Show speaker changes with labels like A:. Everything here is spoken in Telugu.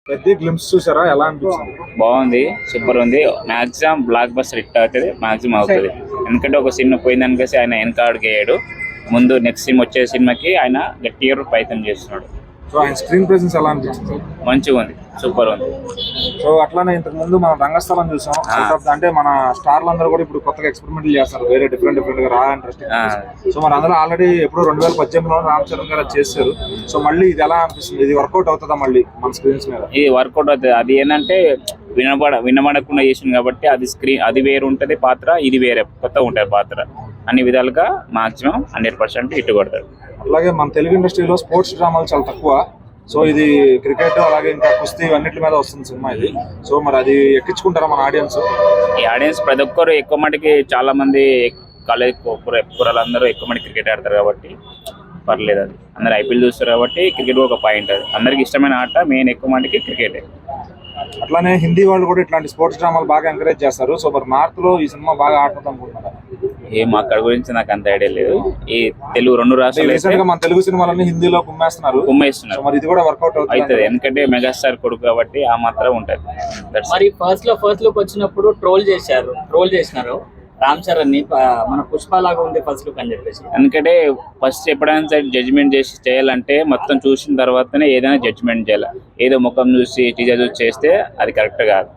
A: పెద్ద గ్లింప్స్ చూసారా, ఎలా అనిపించింది?
B: బాగుంది, సూపర్ ఉంది. మాక్సిమం బ్లాక్ బస్టర్ హిట్ అవుతుంది, మాక్సిమం అవుతుంది. ఎందుకంటే ఒక సినిమా పోయిందనికేసి ఆయన వెనక అడిగేయడు. ముందు నెక్స్ట్ సినిమా వచ్చే సినిమాకి ఆయన గట్టిగా ప్రయత్నం చేస్తున్నాడు.
A: సో ఆయన స్క్రీన్ ప్రెసెన్స్ ఎలా అనిపించింది?
B: మంచిగా ఉంది, సూపర్ ఉంది.
A: సో అట్లానే ఇంతకు ముందు మనం రంగస్థలం చూసాం. అంటే మన స్టార్లు అందరూ కూడా ఇప్పుడు కొత్తగా ఎక్స్పెరిమెంట్లు చేస్తారు, వేరే డిఫరెంట్ గా రా ఇంట్రెస్టింగ్. సో మన అందరూ ఆల్రెడీ ఎప్పుడు 2018లో రామ్ చరణ్ గారు చేశారు. సో మళ్ళీ ఇది ఎలా అనిపిస్తుంది? ఇది వర్కౌట్ అవుతుందా మళ్ళీ మన స్క్రీన్స్ మీద?
B: ఇది వర్కౌట్ అవుతుంది. అది ఏంటంటే వినబడకుండా చేసింది కాబట్టి అది స్క్రీన్ అది వేరు ఉంటుంది పాత్ర, ఇది వేరే కొత్తగా ఉంటుంది పాత్ర. అన్ని విధాలుగా మాక్సిమం 100% హిట్ కొడతాడు.
A: అలాగే మన తెలుగు ఇండస్ట్రీలో స్పోర్ట్స్ డ్రామాలు చాలా తక్కువ. సో ఇది క్రికెట్ అలాగే ఇంకా కుస్తీ అన్నిటి మీద వస్తుంది సినిమా ఇది. సో మరి అది ఎక్కించుకుంటారా మన ఆడియన్స్?
B: ఈ ఆడియన్స్ ప్రతి ఒక్కరు ఎక్కువ మటుకి చాలా మంది కాలేజ్ కూరలందరూ ఎక్కువ మటుకు క్రికెట్ ఆడతారు కాబట్టి పర్లేదు. అది అందరు ఐపీఎల్ చూస్తారు కాబట్టి క్రికెట్ ఒక పాయింట్. అది అందరికి ఇష్టమైన ఆట, మెయిన్ ఎక్కువ మటుకి క్రికెటే.
A: అట్లానే హిందీ వాళ్ళు కూడా ఇట్లాంటి స్పోర్ట్స్ డ్రామాలు బాగా ఎంకరేజ్ చేస్తారు. సో మరి నార్త్ లో ఈ సినిమా బాగా ఆడుతుంది అనుకుంటున్నారా?
B: ఏం అక్కడ గురించి నాకు అంత ఐడియా లేదు. ఈ తెలుగు 2 రాష్ట్రాలు
A: మన తెలుగు సినిమాలన్నీ హిందీలో కుమ్మేస్తున్నారు.
B: మరి
A: ఇది కూడా వర్కౌట్ అవుతుంది.
B: ఎందుకంటే మెగాస్టార్ కొడుకు కాబట్టి ఆ మాత్రం ఉంటది.
C: మరి ఫస్ట్ లుక్ వచ్చినప్పుడు ట్రోల్ చేసినారు రామ్ చరణ్ ని, మన పుష్ప లాగా ఉంది ఫస్ట్ లుక్ అని చెప్పేసి.
B: ఎందుకంటే ఫస్ట్ ఎప్పుడైనా సరే జడ్జిమెంట్ చేయాలంటే మొత్తం చూసిన తర్వాతనే ఏదైనా జడ్జిమెంట్ చేయాలి. ఏదో ముఖం చూసి టీజర్ చూసి చేస్తే అది కరెక్ట్ కాదు.